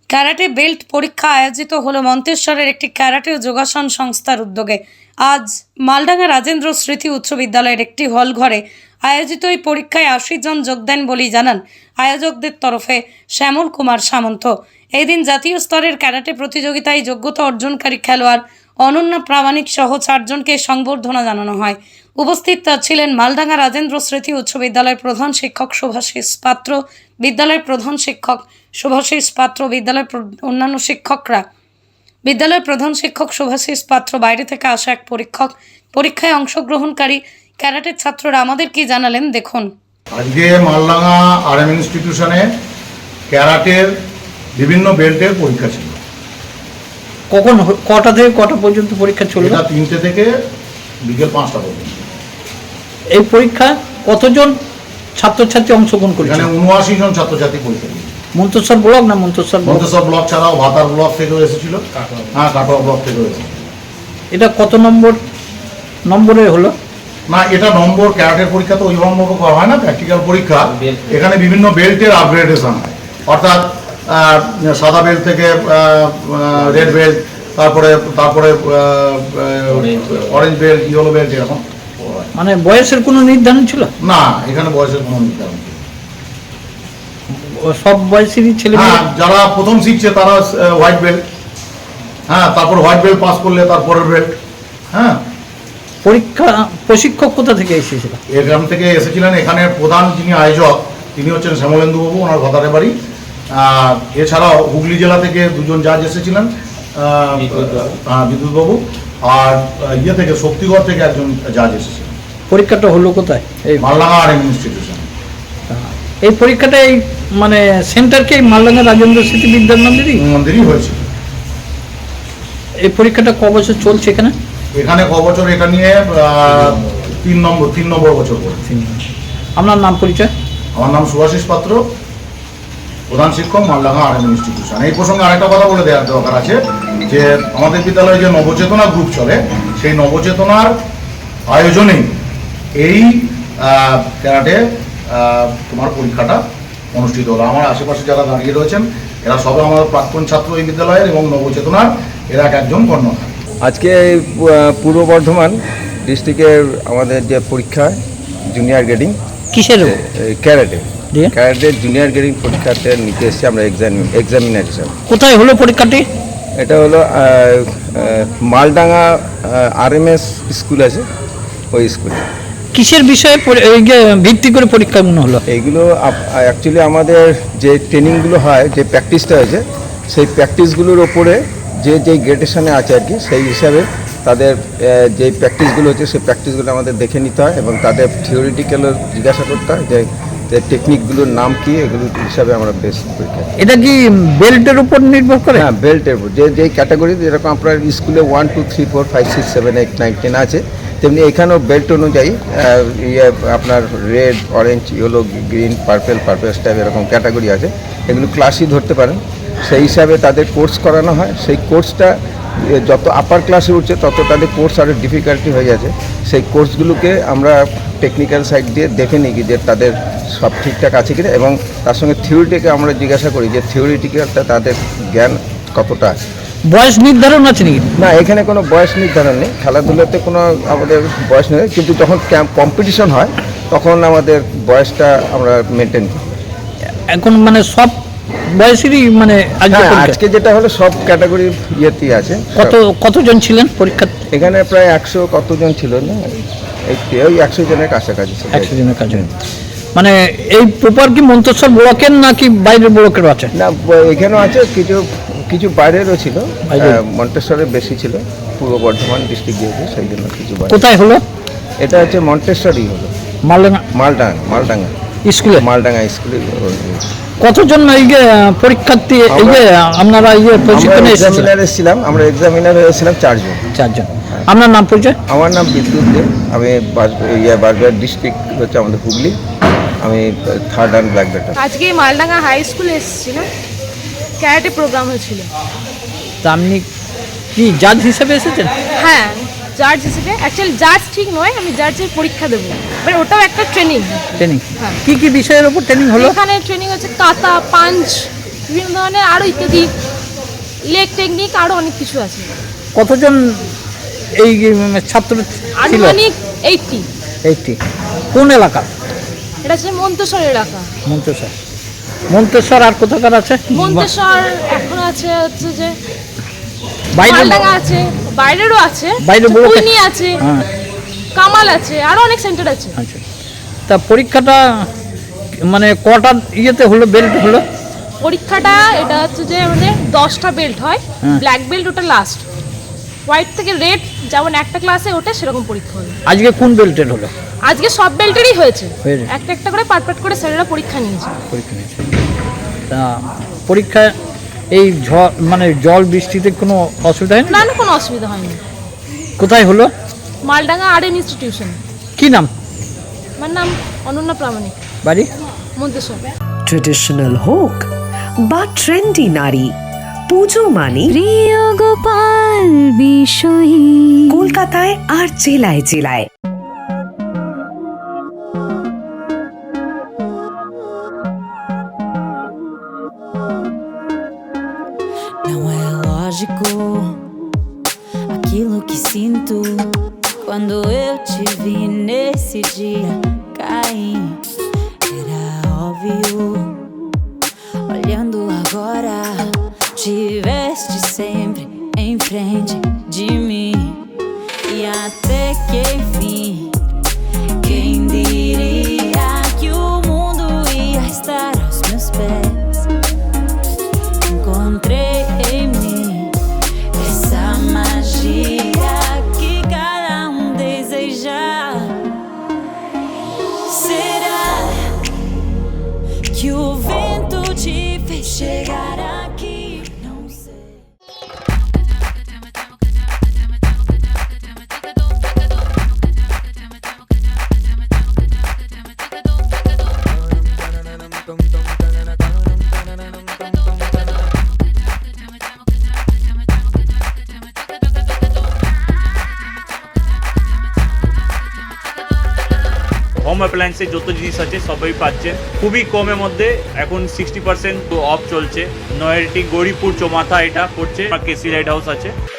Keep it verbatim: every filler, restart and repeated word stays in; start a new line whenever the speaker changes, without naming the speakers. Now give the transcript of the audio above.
Karate belt পরীক্ষা আয়োজিত হলো মন্তেশ্বরের একটি ক্যারাটে যোগাসন সংস্থার উদ্যোগে। আজ মালডাঙ্গা রাজেন্দ্র স্মৃতি উচ্চ বিদ্যালয়ের একটি হল ঘরে আয়োজিত এই পরীক্ষায় আশি জন যোগ দেন বলেই জানান আয়োজকদের তরফে শ্যামল কুমার সামন্ত। এই দিন জাতীয় স্তরের ক্যারাটে প্রতিযোগিতায় যোগ্যতা অর্জনকারী খেলোয়াড় অনন্যা প্রামাণিক সহ চারজনকে সংবর্ধনা জানানো হয়। উপস্থিত ছিলেন মালডাঙ্গা রাজেন্দ্র স্মৃতি উচ্চ বিদ্যালয়ের প্রধান শিক্ষক শুভাশিস পাত্র, বিদ্যালয়ের প্রধান শিক্ষক শুভাশিস পাত্র, বিদ্যালয়ের অন্যান্য শিক্ষকরা। বিদ্যালয়ের প্রধান শিক্ষক শুভাশিস পাত্র বাইরে থেকে আসা এক পরীক্ষক। পরীক্ষায় অংশগ্রহণকারী ক্যারাটের ছাত্ররা আমাদের কি জানালেন দেখুন।
আজকে মালডাঙ্গা আর এম ইনস্টিটিউশনে ক্যারাটের বিভিন্ন বেল্টের পরীক্ষা ছিল।
কখন কটা থেকে কটা পর্যন্ত পরীক্ষা চলবে?
এটা তিনটে থেকে বিকেল পাঁচটা পর্যন্ত।
এই পরীক্ষা কতজন ছাত্রছাত্রী অংশগ্রহণ করেছে?
এখানে উনআশি জন ছাত্রছাত্রী পরীক্ষা দিয়েছে।
মন্তেশ্বর ব্লক না মন্তেশ্বর
মন্তেশ্বর ব্লক ছাড়াও ভাতার ব্লক থেকেও এসেছিল, হ্যাঁ কাটোয়া ব্লক থেকেও এসেছিল।
এটা কত নম্বর নম্বরে হলো?
না, এটা নম্বর ক্যারাটের পরীক্ষা তো ওইভাবে করা হয় না, প্র্যাকটিক্যাল পরীক্ষা। এখানে বিভিন্ন বেল্টের আপগ্রেডেশন হয়, অর্থাৎ সাদা বেল্ট থেকে রেড বেল্ট, তারপরে তারপরে অরেঞ্জ বেল্ট, ইয়েলো বেল্ট, এরকম।
মানে বয়সের কোনো নির্ধারণ ছিল
না, এখানে বয়সের কোনো নির্ধারণ ছিল।
সব বয়সেরই ছেলে?
হ্যাঁ, যারা প্রথম শিখছে তারা হোয়াইট বেল্ট, হ্যাঁ তারপর হোয়াইট বেল্ট পাস করলে তারপরের বেল্ট। হ্যাঁ,
পরীক্ষা প্রশিক্ষক কোথা থেকে এসেছিল?
এখান থেকে এসেছিলেন, এখানে প্রধান যিনি আয়োজক তিনি হচ্ছেন শ্যামলেন্দু বাবু, ওনার ভাতারে বাড়ি। এছাড়াও হুগলি জেলা থেকে দুজন জাজ এসেছিলেন, বিদ্যুৎ বাবু, আর ইয়ে থেকে শক্তিগড় থেকে একজন জাজ এসেছিলেন।
পরীক্ষাটা হলো কোথায়? এই
মালডাঙ্গা আর এম ইনস্টিটিউশন।
এই পরীক্ষাটা এই মানে সেন্টারকে মালডাঙ্গা রাজেন্দ্র স্মৃতি বিদ্যা মন্দিরই
মন্দিরই হয়েছে।
এই পরীক্ষাটা ক বছর চলছে এখানে?
এখানে ক বছর? এটা নিয়ে তিন নম্বর তিন নম্বর বছর পড়ে।
আপনার নাম পরিচয়?
আমার নাম শুভাশিস পাত্র, প্রধান শিক্ষক, মালডাঙ্গা আর এম ইনস্টিটিউশন। এই প্রসঙ্গে আরেকটা কথা বলে দেওয়ার দরকার আছে যে আমাদের বিদ্যালয়ে যে নবচেতনা গ্রুপ চলে, সেই নবচেতনার আয়োজনেই এই ক্যারাটে তোমার পরীক্ষাটা অনুষ্ঠিত হলো। আমার আশেপাশে যারা দাঁড়িয়ে রয়েছেন এরা সবাই আমার প্রাক্তন ছাত্র এই বিদ্যালয়ের এবং নবচেতনার এরা এক একজন কর্ণধার।
আজকে পূর্ব বর্ধমান ডিস্ট্রিক্টের আমাদের যে পরীক্ষা জুনিয়র গ্রেডিং
কিসের?
ক্যারাটে ক্যারাটের জুনিয়র গ্রেডিং পরীক্ষাতে নিতে এসেছি আমরা এক্সাম এক্সামিনার হিসাবে।
কোথায় হলো পরীক্ষাটি?
এটা হলো Maldanga R M S school আছে, ওই স্কুলে।
কিসের বিষয়ে ভিত্তি করে পরীক্ষাগুলো হলো? এইগুলো
অ্যাকচুয়ালি আমাদের যে ট্রেনিংগুলো হয়, যে প্র্যাকটিসটা হয়েছে, সেই প্র্যাকটিসগুলোর ওপরে যে যেই গ্রেডেশনে আছে আর কি, সেই হিসাবে তাদের যে প্র্যাকটিসগুলো হচ্ছে সেই প্র্যাকটিসগুলো আমাদের দেখে নিতে হয় এবং তাদের থিওরিটিক্যালও জিজ্ঞাসা করতে হয় যে যে টেকনিকগুলোর নাম কি, এগুলো হিসাবে আমরা বেশ পরীক্ষা।
এটা কি বেল্টের উপর নির্ভর করে?
হ্যাঁ, বেল্টের উপর। যে যেই ক্যাটাগরি, যেরকম আপনার স্কুলে one two three four five six seven eight nine ten আছে, তেমনি এখানেও বেল্ট অনুযায়ী ইয়ে আপনার red, orange, yellow, green, purple, purple type এরকম ক্যাটাগরি আছে। এগুলো ক্লাসই ধরতে পারেন। সেই হিসাবে তাদের কোর্স করানো হয়। সেই কোর্সটা যত আপার ক্লাসে উঠছে তত তাদের কোর্স আরও ডিফিকাল্টি হয়ে যাচ্ছে। সেই কোর্সগুলোকে আমরা টেকনিক্যাল সাইড দিয়ে দেখে নিই যে তাদের সব ঠিকঠাক আছে কিনা, এবং তার সঙ্গে থিওরিটিকে আমরা জিজ্ঞাসা করি যে থিওরিটিক্যালটা তাদের জ্ঞান কতটা আছে।
বয়স নির্ধারণ আছে নাকি?
না, এখানে কোনো বয়স নির্ধারণ নেই। খেলাধুলাতে কোনো আমাদের বয়স নেই, কিন্তু যখন কম্পিটিশন হয় তখন আমাদের বয়সটা আমরা মেনটেন করি।
এখন মানে সব বয়সেরই মানে
আজকে যেটা হলো সব ক্যাটাগরির ইয়েতেই আছে।
কত কতজন ছিলেন পরীক্ষা?
এখানে প্রায় একশো কতজন ছিল না, ওই একশো জনের কাছাকাছি।
একশো জনের কাছে। মানে এই পেপার কি মন্তেশ্বর ব্লকের নাকি বাইরের ব্লকের আছে?
না, এখানেও আছে, কিছু কিছু বাইরেরও ছিল, মন্তেশ্বরের বেশি ছিল, পূর্ব বর্ধমান ডিস্ট্রিক্ট যেহেতু সেই জন্য কিছু।
কোথায় হলো?
এটা হচ্ছে মন্তেশ্বরই হলো,
মালডাঙ্গা মালডাঙ্গা
মালডাঙ্গা
স্কুলে।
মালডাঙ্গা স্কুলে।
কতজন এই যে পরীক্ষার্থী এই যে আপনারা ইয়ে প্রশিক্ষণে
এসেছিলাম? আমরা এক্সামিনার হয়েছিলাম চারজন।
চারজন। আপনার নাম পরিচয়?
আমার নাম বিদ্যুৎ দেব, আমি ইয়ে বারবার ডিস্ট্রিক্ট হচ্ছে আমাদের হুগলি, আমি থার্ড অ্যান্ড ব্ল্যাক বেল্ট।
আজকে মালডাঙ্গা হাই স্কুলে এসেছিলাম, ক্যারাটে প্রোগ্রাম হয়েছিল।
তা আপনি কি জাজ হিসেবে এসেছেন?
হ্যাঁ, জাজ হিসেবে। অ্যাকচুয়ালি জাজ ঠিক নয়, আমি জাজের পরীক্ষা দেবো, বাট ওটাও একটা ট্রেনিং।
ট্রেনিং কি কি বিষয়ের উপর ট্রেনিং হলো?
এখানে ট্রেনিং হচ্ছে কাতা, পাঞ্চ, বিভিন্ন ধরনের আরও ইত্যাদি লেক টেকনিক আরও অনেক কিছু আছে।
কতজন এই উম, ছাত্র ছিল?
আনুমানিক এইটটি।
এইটি। কোন এলাকা?
এটা হচ্ছে মন্তেশ্বর এলাকা।
মন্তেশ্বর। মন্তেশ্বর আর কোথাকার আছে?
মন্তেশ্বর এখন আছে হচ্ছে যে
বাইরে
মালডাঙ্গা আছে, বাইরেরও আছে,
বাইরে বড়-
কুইনি আছে,
হ্যাঁ,
কামাল আছে, আরও অনেক সেন্টার আছে।
আচ্ছা। তা পরীক্ষাটা মানে কটা ইয়েতে হলো, বেল্ট হলো?
পরীক্ষাটা এটা হচ্ছে যে আমাদের দশটা বেল্ট হয়,
হ্যাঁ।
ব্ল্যাক বেল্ট ওটা লাস্ট, হোয়াইট থেকে রেড যেমন একটা ক্লাসে ওঠে সেরকম পরীক্ষা হলো।
আজকে কোন বেল্টের হলো?
আজকে সব বেল্টেরই হয়েছে,
হয়েছে।
একটা একটা করে পার্ট পার্ট করে স্যারেরা পরীক্ষা নিয়েছে।
পরীক্ষা নিয়েছে। তা পরীক্ষায় এই ঝড় মানে জল বৃষ্টিতে কোনো অসুবিধা হয়
না
না?
না কোনো অসুবিধা হয়নি।
কোথায় হলো?
Maldanga R N institution.
কি নাম?
আমার নাম অনন্যা প্রামাণিক,
বাড়ি?
মন্তেশ্বর।
ট্রেডিশনাল হোক বা ট্রেন্ডি নারী, পুজো মানে
প্রিয় গোপাল বিষয়ী
কলকাতায় আর জেলায় জেলায়।
Não é lógico aquilo que sinto quando eu te vi nesse dia cair. Era óbvio, olhando agora, tiveste sempre em frente de mim. E até que enfim, quem diria que o mundo ia estar aos meus pés? Encontrei em mim essa magia que cada um deseja. Será que o vento te fez chegar aqui? Não sei.
Home অ্যাপ্লায়েন্সের যত জিনিস আছে সবই পাচ্ছেন খুবই কমের মধ্যে। এখন সিক্সটি পার্সেন্ট অফ চলছে। নয়ারটি গৌরীপুর চৌমাথা এটা পড়ছে, কেসি লাইট হাউস আছে।